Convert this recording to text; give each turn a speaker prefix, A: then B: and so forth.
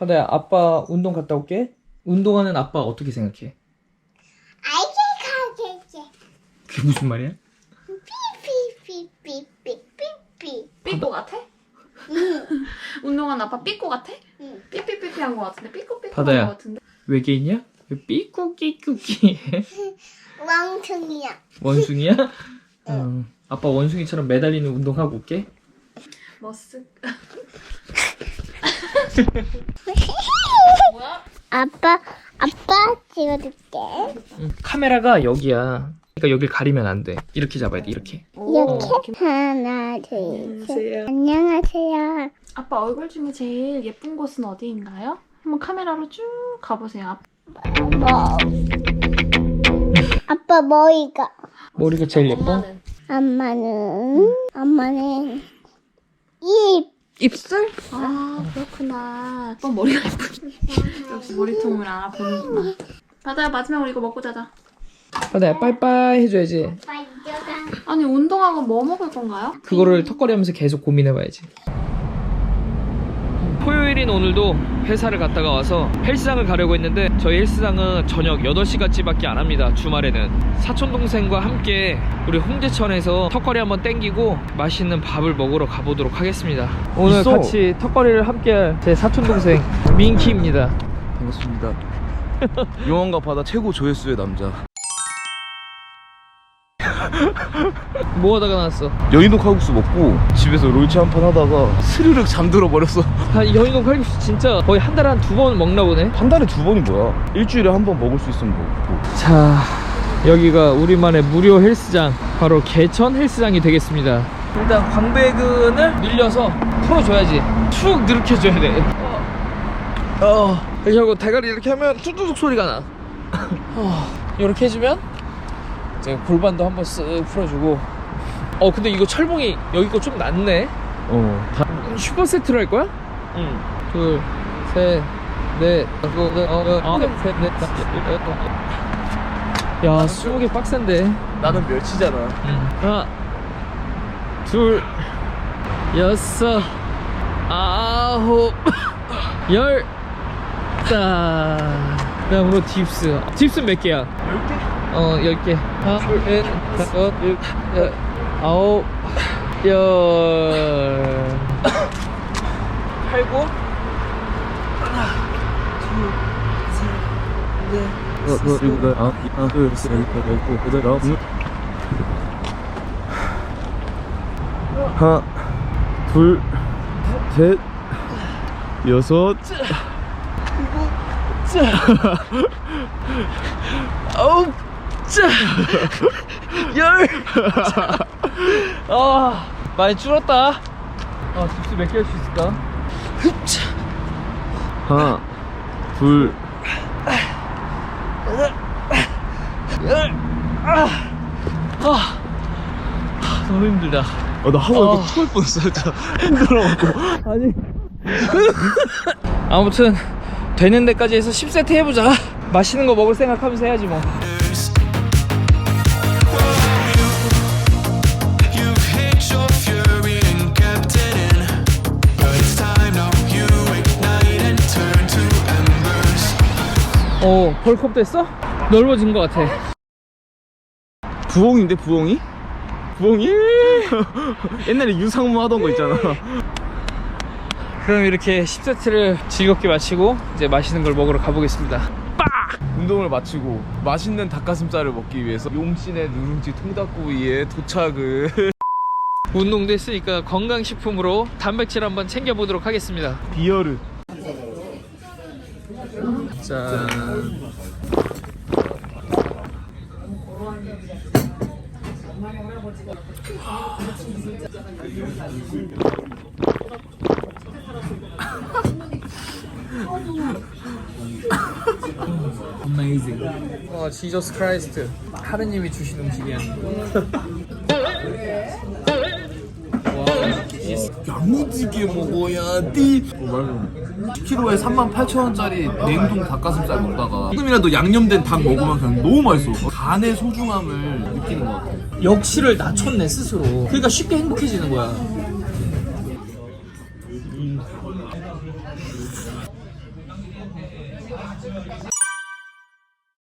A: 하다야, 아빠 운동 갔다 올게. 운동하는 아빠 어떻게 생각해? 그게 무슨 말이야?
B: 삐꼬 같아?
C: 응.
B: 운동한 아빠 삐꼬 같아?
C: 응.
B: 삐삐삐삐 한 거 같은데? 삐꼬삐꼬
A: 바다야.
B: 한 거 같은데?
A: 외계인이야? 왜 삐꾸끼꾸끼 해?
C: 왕퉁이야.
A: 원숭이야? 아빠 원숭이처럼 매달리는 운동하고 올게.
B: 머쓱. 뭐야?
C: 아빠 찍어줄게.
A: 카메라가 여기야. 그러니까 여길 가리면 안 돼. 이렇게 잡아야 돼. 이렇게.
C: 이렇게 하나, 둘, 셋. 안녕하세요.
B: 아빠 얼굴 중에 제일 예쁜 곳은 어디인가요? 한번 카메라로 쭉 가보세요.
C: 뭐? 아빠 머리가.
A: 머리가 제일 예뻐?
C: 엄마는 입.
B: 입술? 아 그렇구나. 아빠 머리가 예쁘네. 역시 머리통을 알아보는구나. 바다야 마지막으로 이거 먹고 자자.
A: 바다야, 빠이빠이 해줘야지.
C: 아빠 이겨가.
B: 아니 운동하고 뭐 먹을 건가요?
A: 그거를 턱걸이 하면서 계속 고민해봐야지. 토요일인 오늘도 회사를 갔다가 와서 헬스장을 가려고 했는데 저희 헬스장은 저녁 8시까지밖에 안 합니다. 주말에는 사촌동생과 함께 우리 홍제천에서 턱걸이 한번 땡기고 맛있는 밥을 먹으러 가보도록 하겠습니다. 오늘
D: 있어.
A: 같이 턱걸이를 함께할 제 사촌동생 민키입니다.
D: 반갑습니다. 용왕과 바다 최고 조회수의 남자
A: 뭐 하다가 나왔어?
D: 여인도 칼국수 먹고 집에서 롤치 한 판 하다가 스르륵 잠들어 버렸어.
A: 여인동 칼국수 진짜 거의 한 달에 한 2번 먹나 보네.
D: 한 달에 2번이 뭐야? 일주일에 한 번 먹을 수 있으면 먹고.
A: 자, 여기가 우리만의 무료 헬스장, 바로 개천 헬스장이 되겠습니다. 일단 광배근을 늘려서 풀어줘야지. 쭉 늘으켜줘야 돼. 이렇게 하고 대가리 이렇게 하면 뚝뚝뚝 소리가 나. 이렇게 해주면 이제 골반도 한번 쓱 풀어주고. 근데 이거 철봉이 여기 거 좀 낫네. 슈퍼 세트로 할 거야? 응. 둘, 셋, 넷, 다섯, 셋, 넷, 다섯, 여섯. 야, 20개 빡센데.
D: 나는 멸치잖아.
A: 하나, 둘, 여섯, 아홉, 열. 자, 그다음으로 딥스. 딥스 몇 개야? 10개? 10개. 하나, 둘, 셋, 다섯, 일, 여, 아홉, 열. 팔고. 하나, 둘, 셋, 넷.
D: 하나, 둘, 셋, 넷, 다섯, 여덟, 아홉. 하나, 둘, 셋, 여섯.
A: 아홉, 자, 열. 많이 줄었다. 딥스 몇 개 할 수 있을까?
D: 하나, 둘,
A: 너무 힘들다.
D: 나 하고 이거 토할 뻔했어 진짜. 힘들어갖고.
A: 아니. 아무튼 되는 데까지 해서 10세트 해보자. 맛있는 거 먹을 생각하면서 해야지 뭐.
E: You've hit your fury and kept it in, but it's time now you ignite and turn to embers.
A: 벌컵 됐어? 넓어진 것 같아.
D: 부엉인데 부엉이? 부엉이? 옛날에 유상무 하던 거 있잖아.
A: 그럼 이렇게 10세트를 즐겁게 마치고 이제 맛있는 걸 먹으러 가보겠습니다.
D: 운동을 마치고 맛있는 닭가슴살을 먹기 위해서 용신의 누룽지 통닭구이에 도착을.
A: 운동도 했으니까 건강식품으로 단백질 한번 챙겨보도록 하겠습니다.
D: 비어르.
A: 짠. Amazing. 지저스 크라이스트. 하느님이 주신 음식이야.
D: 야무지게 먹어야 돼. 10kg에 38,000원짜리 냉동 닭가슴살 먹다가 조금이라도 양념된 닭 먹으면 그냥 너무 맛있어. 간의 소중함을 느끼는 것 같아.
A: 역치를 낮췄네 스스로. 그러니까 쉽게 행복해지는 거야.